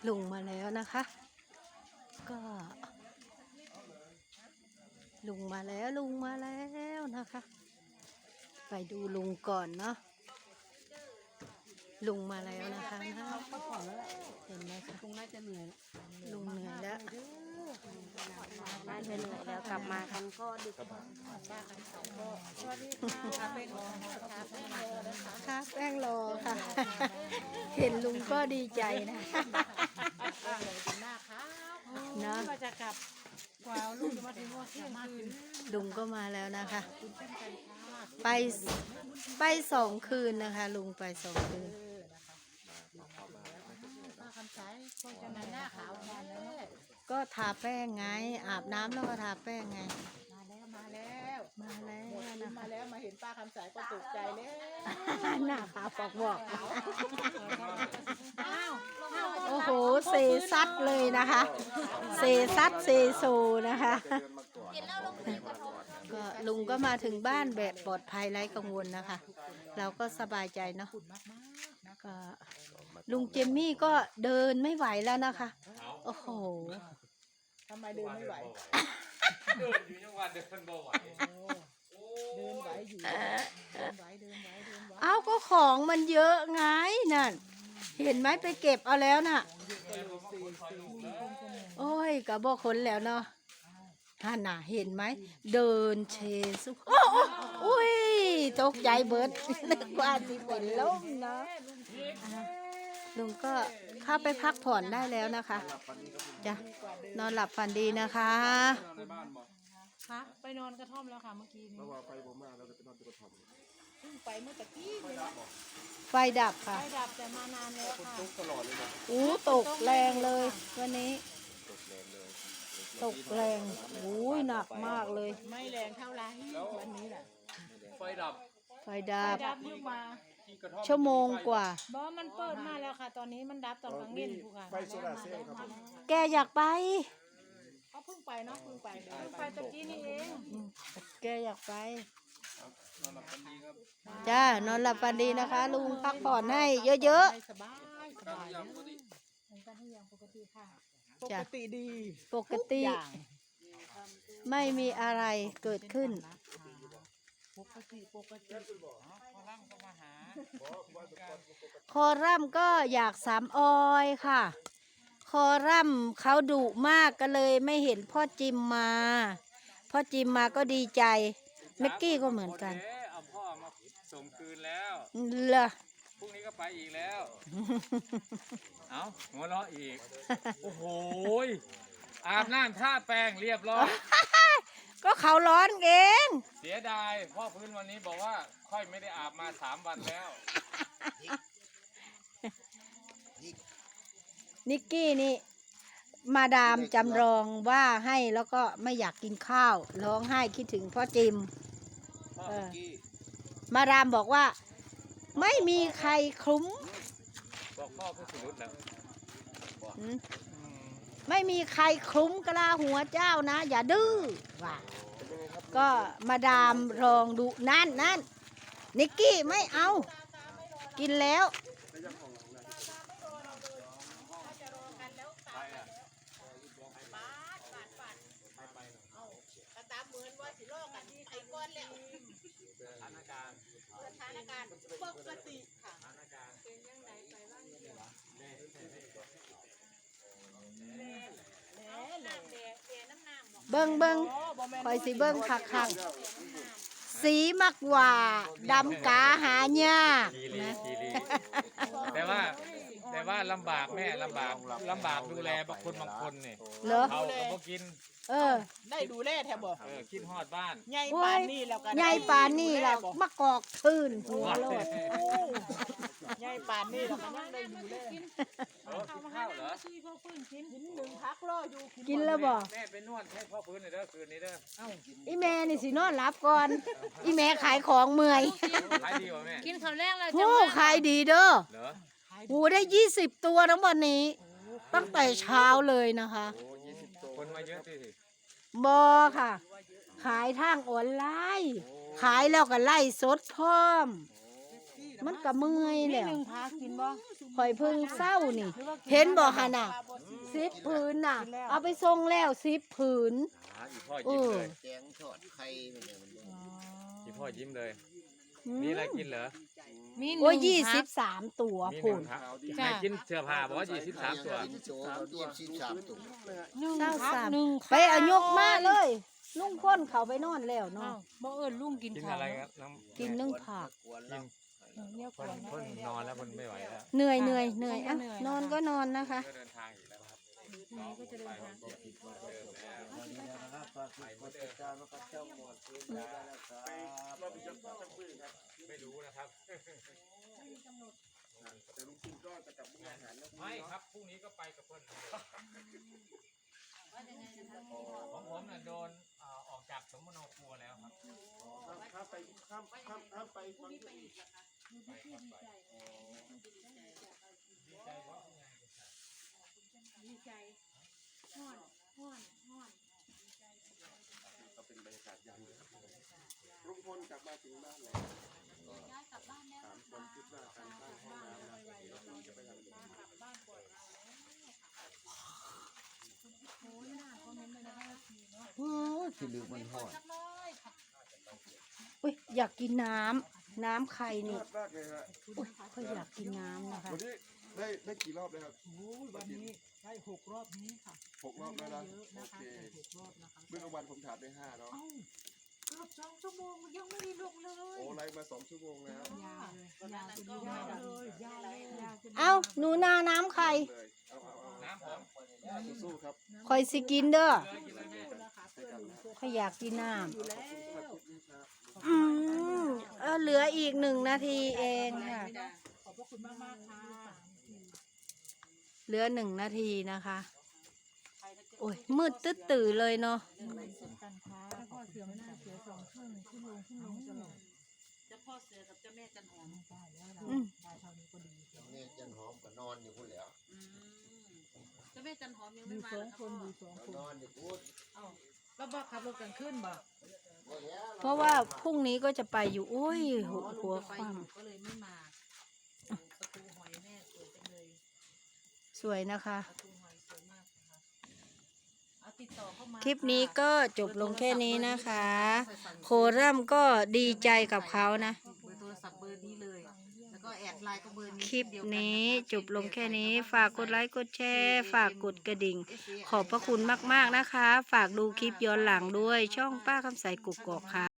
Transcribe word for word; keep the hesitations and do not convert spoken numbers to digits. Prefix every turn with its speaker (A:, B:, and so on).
A: ลุงมาแล้วนะคะ ก็ลุงมาแล้วลุงมาแล้วนะคะ ไปดูลุงก่อนเนาะลุงมาแล้วนะคะนะเห็นไหมคะลุงน่าจะเหนื่อยลุงเหนื่อยแล้ว
B: น่าจะเหนื่อยแล้วกลับมากันก็ดึกสวัสดีค่ะแป้งรอ
A: ค่ะแป้งรอค่ะ เห็นลุงก็ดีใจนะเนาะ
B: จะกลับกว่าลุงจะมาถึงว่าเที่ยงคืน
A: ลุงก็มาแล้วนะคะ ไปไปสองคืนนะคะลุงไปสองคืนก็ทาแป้งไงอาบน้ำแล้วก็ทาแป้งไง
B: มาแล้วมาแล้ว
A: มาแล้วนะ
B: มาแล้วมาเห็นป้าคำสายก็ตกใจแล้ว
A: หน้าขาวปอกบอกโอ้โหเซซัดเลยนะคะเซซัดเซโซนะคะก็ลุงก็มาถึงบ้านแบบปลอดภัยไร้กังวลนะคะ เราก็สบายใจเนาะก็ลุงเจมมี่ก็เดินไม่ไหวแล้วนะคะโอ้โห
B: ทำไมเดินไม่ไหว
C: เดินอยู่จังหวัดเดินบ่ไหว
B: เดินไหวอยู่เดินไหวเดินไหวเดินไหว
A: เอ้าก็ของมันเยอะไงนั่นเห็นไหมไปเก็บเอาแล้วน่ะโอ้ยกะบอกคนแล้วเนาะท่านน่ะเห็นไหมเดินเชซุโอ้โอ้ยตกใจเบิดนึกว่าสิเป็นลมเนาะลุงก็เข้าไปพักผ่อนได้แล้วนะคะจ้ะนอนหลับฝันดีนะคะ
B: คะไปนอนกระท่อมแล้วค่ะเมื่อกี้นี้
C: แล้วว่าไฟผมมาเราจะไปนอนที่กระท่อม
B: เพิ่งไปเมื่อตะกี้เลยนะ
A: ไฟดับค่ะ
B: ไฟดับแต่มานานแล้วค่ะ
C: ตกตลอดเลยนะ
A: อู้ตกแรงเลยวันนี้ตกแรงโอ้ยหนักมากเลย
B: ไม่แรงเท่าไรวันนี้แหละ
C: ไฟดับ
A: ไฟดับ
B: ดับเพิ่งมา
A: ชั่วโมงกว่า
B: บอมันเปิดมาแล้วค่ะตอนนี้มันดับตอนกลางเย็นผู้ค่ะ
C: ไฟโซลาร์เซลล์ครับ
A: แกอยากไป
B: เขาเพิ่งไปเนาะเพิ่งไปเพิ่งไปตะกี้นี่เอง
A: แกอยากไปจ้านอนหลับฝันดีนะคะลุงพักผ่อนให้เยอะ
B: ๆสบายสบายเหมือนกันทุกอย่างปกติค่ะปกติดี
A: ปกติไม่มีอะไรเกิดขึ้น
B: ปกติปกติ
A: คอรัมก็อยากสามออยค่ะคอรัมเขาดุมากก็เลยไม่เห็นพ่อจิมมาพ่อจิมมาก็ดีใจเมกกี้ก็เหมือนกัน
C: เอาพ่อมาส่งคืนแล้ว
A: เหรอ
C: พรุ่งนี้ก็ไปอีกแล้วเอาหัวเราะอีกโอ้โหอาบน้ำท่าแป้งเรียบร้อย
A: ก็เขาร้อนเอง
C: เสียดายพ่อพื้นวันนี้บอกว่าค่อยไม่ได้อาบมาสามวันแล้ว
A: นิกกี้นี่มาดามจำลองว่าให้แล้วก็ไม่อยากกินข้าวร้องไห้คิดถึงพ่อจิมมาดามบอกว่าไม่มีใครคลุ้ม
C: บอกพ่อผู้สุดแล้ว
A: ไม่มีใครคลุ้มกะลาหัวเจ้านะอย่าดื้อว่าก็มาดามลองดูนั่นนั่นนิกกี้ไม่เอากินแล้ว
C: สถานการณ์
B: สถานการณ์ปกติค่ะเป็นยังไงไปบ้าง
A: เบิ้งเบิ้งคอยสิเบิ้งคักคักสีมักว่าดำกาหาหญ้านะ
C: แต่ว่าแต่ว่าลำบากแม่ลำบากลำบากดูแลบางคนบางคนนี่เขาก็บ่กิน
A: เออ
B: ได้ดูแลแทบบ่
C: เออคิดฮอดบ้าน
B: ใหญ่ปานนี่แล้วกัน
A: ใหญ่ปานนี่แล้วมะกอกทื่นหัวโลด
B: ใหญ่ปานนี่แล้วก็ยังได้ดูแล
C: กินข้าวเหรอ
B: ซื้อพ่อพื้นกินกินหนึ่งพักรออยู่
A: กินแล้วบ่
C: แม่ไปนวดให้พ่อพื้นหน่อยเด้อคืนนี้เด้อเอ้า
A: อีแม่นี่สินอนหลับก่อนอีแม่ขายของเมื่อย
C: ขายดีกว่าแม่
B: กินข้าวแรกเลย
A: โอ้ขายดีเด้อเหรอโอ้ได้ยี่สิบตัวทั้งวันนี้ตั้งแต่เช้าเลยนะคะ
C: คนมาเยอะสิ
A: บอค่ะขายทางออนไลน์ขายแล้วก็ไล่สดพร้อมมันก็เมื่อย
B: มี
A: แล้ว
B: หนึ่งพากินบ่
A: ข่อยเพิ่งเศร้านี่ เห็นบ่หั่นน่ะสิบผืนน่ะ เอาไปส่งแล้วสิบผืน
C: อ่าอีพ่อยิ้มเลย
D: แกงทอดไข่เนี่ยมัน
C: อีพ่อยิ้มเลย
A: อื
C: มี
A: ม
C: อะไรกินเหรอ
B: มีหนึ่ง
A: โอ้ยยี่
B: พั
A: สิ
B: ก
A: บสามตัว
C: มีห
A: พุ่
C: นึ่
A: น
C: งครับให้กินเสื้อผ้าบอกว่ายี่สิบสามตัว
D: สามตัวสิบสามตัว
B: หนึ่ง
A: เศร้า
B: พัก
A: สาม
B: หนึ่ง
A: ไปเอายกมาเลย ลุงพ่นเขาไปนอนแล้ว
B: อ้า
A: เนาะ
B: วบ่เอิ้นลุงกิน
C: กิน
B: ข้าว
C: อะไร
B: เน
C: ค
B: อะ
C: รับน้ำ
A: กินนึ่งผัก
D: กวน
C: กิ
D: แล้ว
C: น
B: เนี่ยก
C: เพิ่
B: วน น
C: เพิ่นนอนแล้วเพิ่นไม่ไหวแล้ว
A: เหนื่อยเหนื่อยเหนื่อยอ่ะ
B: เหนื่อย
A: นอนก็นอนนะคะ
C: ก็เดินทางอีกแล้วครับ
B: พรุ่งนี้ก็จะเดินทาง
C: เดิมแล้วไม่รู้นะครับไม่ครับพรุ่งนี้ก็ไปกับเพื่อนของผมน่ะโดนเอ่อออกจากสมโนครัวแล้วครับ
D: ไปข้ามข้ามข้ามไปฟัง
C: ดีใจเพราะไง
D: ก็เป็นบรรยากาศยามลุงพลกลับมาถึงบ้านแล้วสามคนคิดว่าการสร้างห้องน้ำเราจะไปทำโอ้ยที่ลืมมันหอด
A: อุ้ยอยากกินน้ำน้ำไข่นี่
D: มากเลยฮะ
A: อุ้ยเขาอยากกินน้ำนะคะ
D: วันนี้ได้ได้กี่รอบเลยครับ
E: วันนี้ได้หกรอบนี้ค่ะ
D: หกรอบแล้วนะ
E: เยอะ
D: โอ
E: นะคะ
D: เค
E: แต่หกรอบนะคะ
D: เมื่อกลางวันผมถามได้ห้าเนาะ
E: เอ้าเกือบสองชั่วโมงยังไม่ได้ลงเลย
D: โอ้ไล่มาสองชั่วโมงแล้ว
E: ยาวเลยยาวจนยาวเลยยาวเลยยาวจน
A: เอาหนูนาน้ำไข่
D: เลยเอาเอาเอา
C: น้ำผม
D: สู้ๆครับ
A: คอยสิกินเด้อ
C: เลยกินเลยแม่
E: นะคะเพื่อนหนูเสื้อ
A: เขาอยากกินน้
E: อยู่แล้ว
A: ำอืมเออเหลืออีกหนึ่งนาทีเองค่ะ
E: ขอบพระคุณมากมากๆค่ะ
A: เหลือหนึ่งนาทีนะคะ โอ้ยมืดตึ๊ดตื่อเลยเนาะ
E: เช่นกันค่ะแล้วก็เสือไม่น่าเสือสองครึ่งขึ้นลงขึ้นลงตลอด
F: เจ้าพ่อเสือกับเจ้าแม่จันหอม
E: ได้แล้วเรา
A: อืม
E: ได้เท่านี้ก็ดี
D: นี่จันหอมก็นอนอยู่พูดแล้ว
F: อืมเจ้าแม่จันหอมยัง
E: อ
F: ไม่
E: ยู่
F: มา
E: สอ
F: เหรง อ
E: คนอยู่สองคน
D: นอนอยู่พูด
E: แล้วบอกขับรถกันขึ้นบ่
A: เพราะว่าพรุ่งนี้ก็จะไปอยู่โอ้ยหัวหัว
F: ไป
A: คว่
F: อยู่ก็เลยไม่มาประตูหอยแม่สวยจังเลย
A: ำสวยนะคะ
F: ประตูหอยสวยมากนะคะเอาติดต่อเข้ามา
A: คลิปนี้ก็จบลงแค่นี้นะคะ โครัมก็ดีใจกับเขานะ
F: เบอร์โทรศัพท์เบอร์นี้เลย แล้วก็แอดไลน์ก็เบอร์นี้
A: คลิป
F: เดียวกั
A: นี้
F: ะคะ
A: จบลงแค่นี้ ฝากกดไลค์กดแชร์ ฝากกดกระดิ่ง ขอบพระคุณมากๆนะคะ ฝากดูคลิปย้อนหลังด้วยช่องป้าคำใสกุกกอกค่ะ